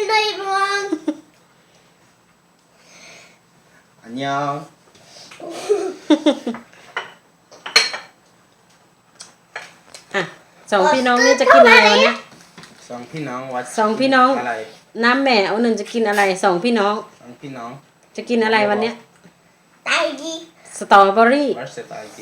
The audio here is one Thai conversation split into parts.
Hello everyone. 안녕. อ่ะสองพี่น้องนี่จะกินอะไรวันเนี้ยสองพี่น้องวัดสองพี่น้องอะไรน้ำแม่เอาหนึ่งจะกินอะไรสองพี่น้องสองพี่น้องจะกินอะไรวันเนี้ย Daddy. สตรอเบอรี่ What's that ID?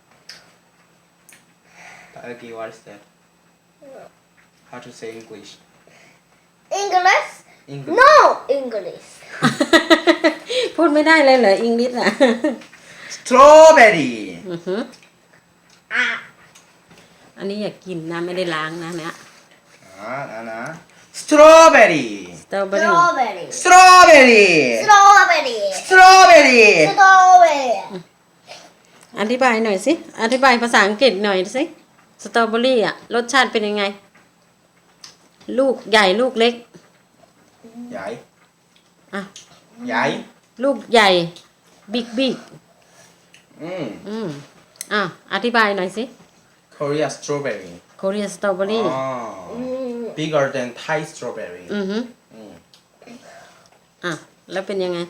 The ID what is that? How to say English? English? English. No English. พูดไม่ได้เลยเหรออังกฤษอ่ะ Strawberry. อือหือ Ah. อันนี้อยากกินนะไม่ได้ล้างนะเนี่ย 나나. Strawberry. สตรอเบอรี่ Strawberry. Strawberry. Strawberry. Strawberry. Strawberry. อธิบายหน่อยสิอธิบายภาษาอังกฤษหน่อยสิสตรอเบอรี่อ่ะรสชาติเป็นยังไง ลูกใหญ่ลูกเล็ก 야이. อ่ะ 야이. ลูกใหญ่บิ๊กบิ๊ก อ่ะอธิบายหน่อยสิ Korea strawberry. โคเรียสตรอเบอรี่ Bigger than Thai strawberry. อือฮึ 음. อ่ะแล้วเป็นยังไง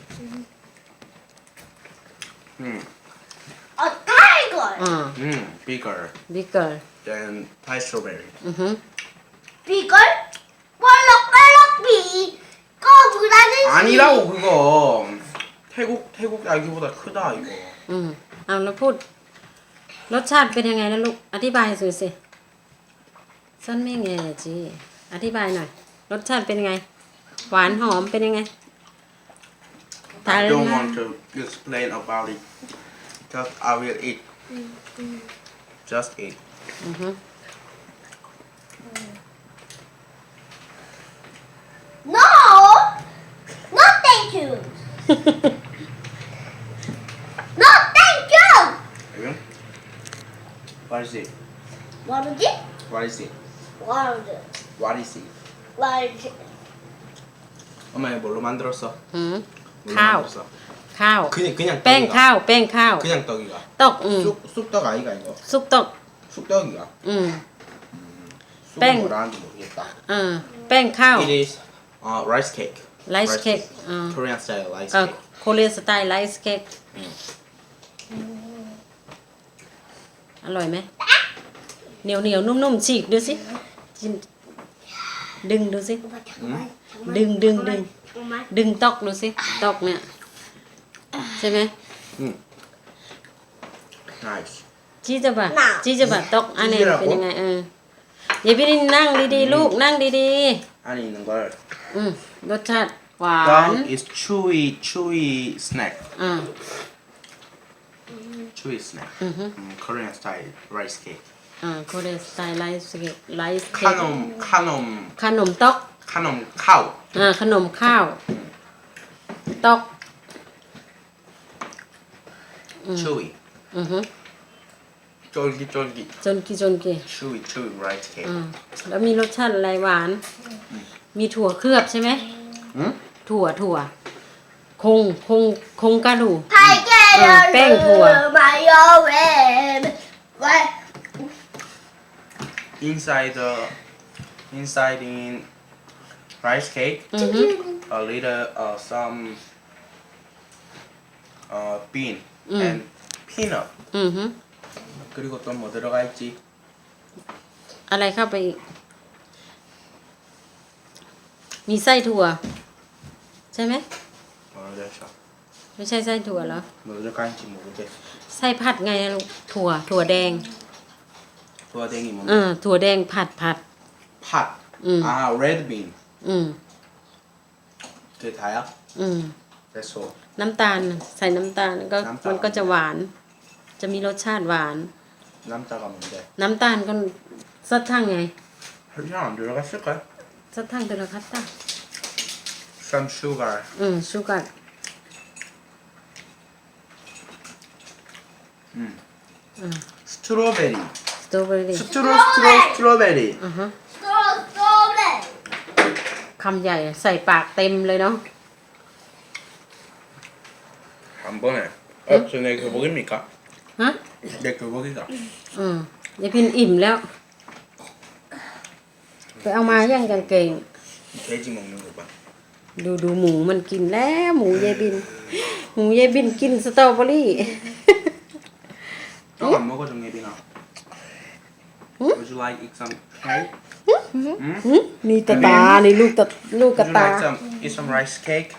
A tiger. อ่า Bigger บิ๊กเกอร์ than Thai strawberry. อือฮึ Bigger. 볼록볼록 비. 거부다는 아니라고 그거. 태국 딸기보다 크다 이거. เอาแล้วพูด รสชาติเป็นยังไงนะลูก อธิบายสิสิสั้นไม่ไงจีอธิบายหน่อย รสชาติเป็นยังไง หวานหอมเป็นยังไง I don't want to explain about it. Just I will eat. Just eat. อือฮึ No. No thank you. No thank you. Okay. What is it? What is it? What is it? What is it? What is it? What is it? 엄마 이거 뭘로 만들었어? อืม 뭘로 카우. 만들었어? ข้าว 그냥 แป้ง 떡이가. ข้าว แป้งข้าว 그냥 떡이가. ตก 쑥떡 아이가 이거. ซุปตก 쑥떡이가. แป้ง 쑥은 뭐라는지 모르겠다. แป้งข้าว It is rice cake. ไลซ์เค้ก Korean style rice อ่า cake. โคเรียสไตล์ไลซ์เค้กอร่อยไหมเหนียวเหนียวนุ่มๆฉีกดูสิจิ้มดึงดูสิ ดึง 엄마. ดึงตอกดูสิตอกเนี่ยใช่ไหม Nice. จี้จะบะน่ะจี้จะบะตอกอันนี้จี้จะบะเป็นยังไงอย่าพี่นั่งดีๆลูกนั่งดี 안에 있는 걸. รสชาติหวาน Gum is chewy snack. อ่า chewy snack. Korean style rice cake. โคเรียสไตล์ไลซ์เค้กไลซ์เค้ก ขนมตอก 카놈 카우. ขนมข้าวตอก chewy. อือฮึ 쫄깃쫄깃. จนกี่ chewy rice cake. แล้วมีรสชาติอะไรหวาน มีถั่วเคลือบใช่ไหม 응? ถั่วคงกระดูก 달걀을 뺑 좋아. 마요 왜 Inside in rice cake, อือฮึ a little some bean and peanut. อือฮึ 그리고 또 뭐 들어가 있지? อะไรเข้าไปอีก มีไส้ถั่ว ใช่ไหม 모르겠어. ไม่ใช่ไส้ถั่วเหรอ 뭐 들어가 있는지 모르겠어. ไส้ผัดไงอะลูกถั่วแดง 도화댕이 뭔데? ถั่วแดงผัด 팥. 응. 아, red bean. อืม 그게 다야? อืม 됐어. น้ำตาลใส่น้ำตาลก็น้ำตาลมันก็จะหวาน จะมีรสชาติหวาน 남자가 뭔데? น้ำตาลก็ซัดทั้งไง 설탕 안 들어갔을까? ซัดทั้งเป็นคัตตา Some sugar. ชูกัด 스트로베리. สตรอเบอรี่ 스트로베리. อ่าฮะ 스트로베리 คำใหญ่ใส่ปากเต็มเลยเนาะ 한 번에. 저 내 교복입니까? ฮะ 내 교복이다. ยายพินอิ่มแล้ว ไปเอามาย่างกางเกง 돼지 먹는 거 봐. ดูหมูมันกินแล้วหมูยายบิน หมูยายบินกินสตรอเบอรี่ 떡 안 먹어 정예빈아. Would you like eat some cake? นี่ตาตานี่ลูกกระ Would you ตา like some eat some rice cake?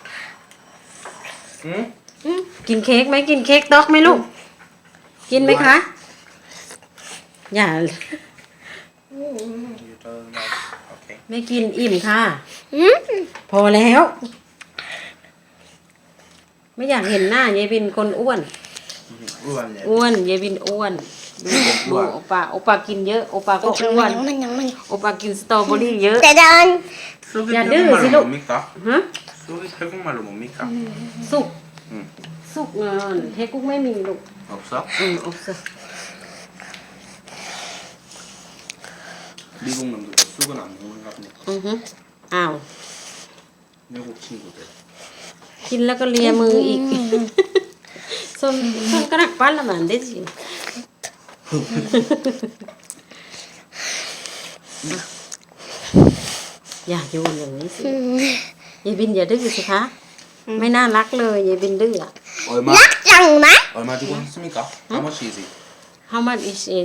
กินเค้กไหมกินเค้กด็อกไหมลูก กินไหมคะ อย่า You don't like. Okay. ไม่กินอิ่มค่ะ พอแล้ว ไม่อยากเห็นหน้ายายบินคนอ้วน 우한래. อ้วนยายบินอ้วน ดูโอปากินเยอะ โอปาก็อ้วน โอปากินสตรอเบอรี่เยอะ 짜잔. 쑥이 야, 태국말로 늙으시노? 뭡니까? ฮะ 쑥이 태국말로 뭡니까? สุก 응. สุกเงินเฮกุกไม่มีลูก 없어? อบเซ 미국 놈들도 쑥은 안 먹는가 보네. อ้าว 미국 친구들. กินแล้วก็เลียมืออีก ส้นกระดักปั้นละมันได้สิอย่าโยนอย่างนี้สิยายบินอย่าดื้อสิคะ ไม่น่ารักเลยยายบินดื้ออะ 얼마? 락장마. 얼마 주고 샀습니까? How much is it? How much is it?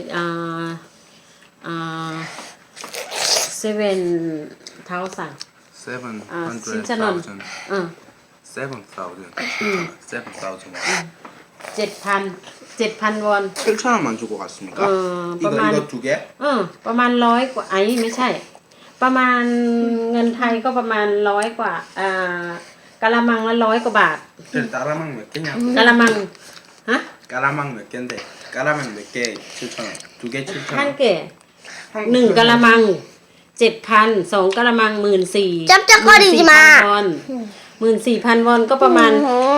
7,000 신천원. 700,000. 7,000 7,000. 7,000 วอน 7,000원만 주고 갔습니까? ประมาณ 이거 두 개? ประมาณ100 กว่าไอ้ไม่ใช่ ประมาณเงินไทยก็ประมาณ100 กว่ากะละมังละ100 กว่าบาท 그래, 까라망 몇 개냐고. กะละมังฮะ 까라망 몇 개인데 까라망 몇 개 7,000원. 두 개 ท่าน 7,000원. เก๋1 กะละมัง 7,000 2 กะละมัง 14,000 짭짭거리지 마. วอน 14,000 วอนก็ประมาณ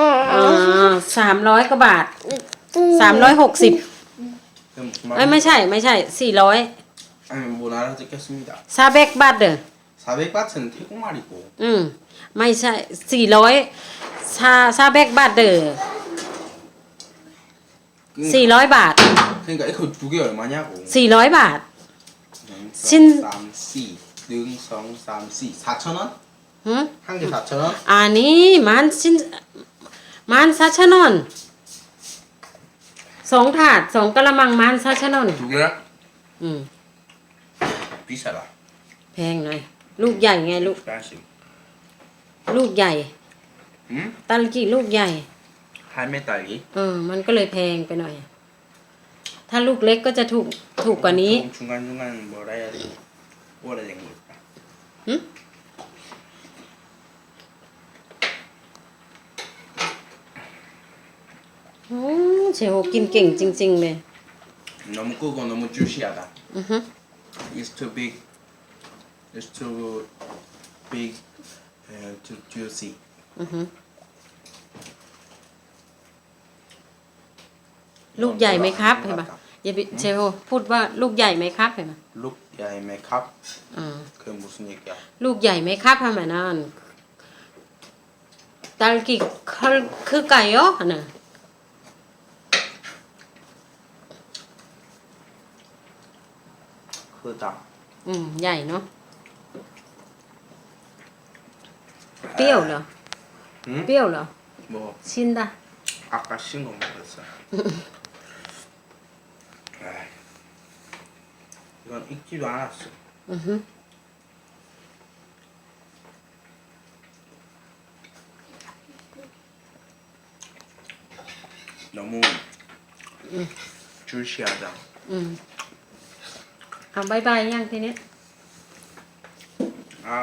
300 กว่าบาท 360 그럼 무슨 ไม่ใช่400 아니 뭐 알아듣겠습니다. ซาเบกบาทเด้อ 400바트는 태국말이고 ไม่ใช่400ซาเบกบาทเด้อ400 บาท 그러니까 이거 두 개 얼마냐고. 400 บาท 신 3, 4, 1, 2, 3, 4, 4,000원? หึ 한 개 4,000원? อันนี้มันซาชะนอน2 ถาด 2 กะละมังมันซาชะนอน 두 개야? อืม 비싸다. แพงหน่อย ลูกใหญ่ไงลูก expensive. ลูกใหญ่ 응? ตาลกี่ลูกใหญ่ 할매 딸기? มันก็เลยแพงไปหน่อย ถ้าลูกเล็กก็จะถูกกว่านี้ 조금 중간중간 뭐라 해야 되지? 오래된 거 있다. หึเชโฮกินเก่งจริงๆเลย 너무 크고 너무 주시하다. อือฮึ It's too big. It's too big and too juicy. อือฮึลูกใหญ่ไหมครับเห็นปะอย่าไปเชโฮพูดว่าลูกใหญ่ไหมครับเห็นปะ Look, yeah, make up. 그 무슨 얘기야? ลูกใหญ่ไหมครับทำไมนั่นตาลกี่คือไก่เหรอน่ะ 크다. ใหญ่เนาะเปรี้ยวเหรอ 응? เปรี้ยวเหรอ 뭐 ชินดะ 아까 신 거 먹었어. 에이, 이건 익지도 않았어. อือฮึ 너무 주시하다. เอาบายบายยังทีนี้ 아,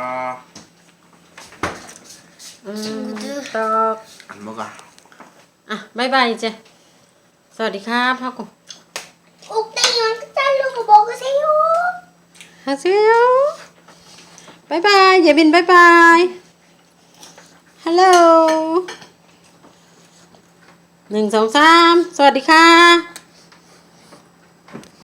ตอก 안 먹어. บายบายเจ้สวัสดีครับพ่อกู 꼭대기만 자르고 먹으세요. ฮัลโหลบายบายอย่าบินบายบายฮัลโหล1 2 3สวัสดีค่ะ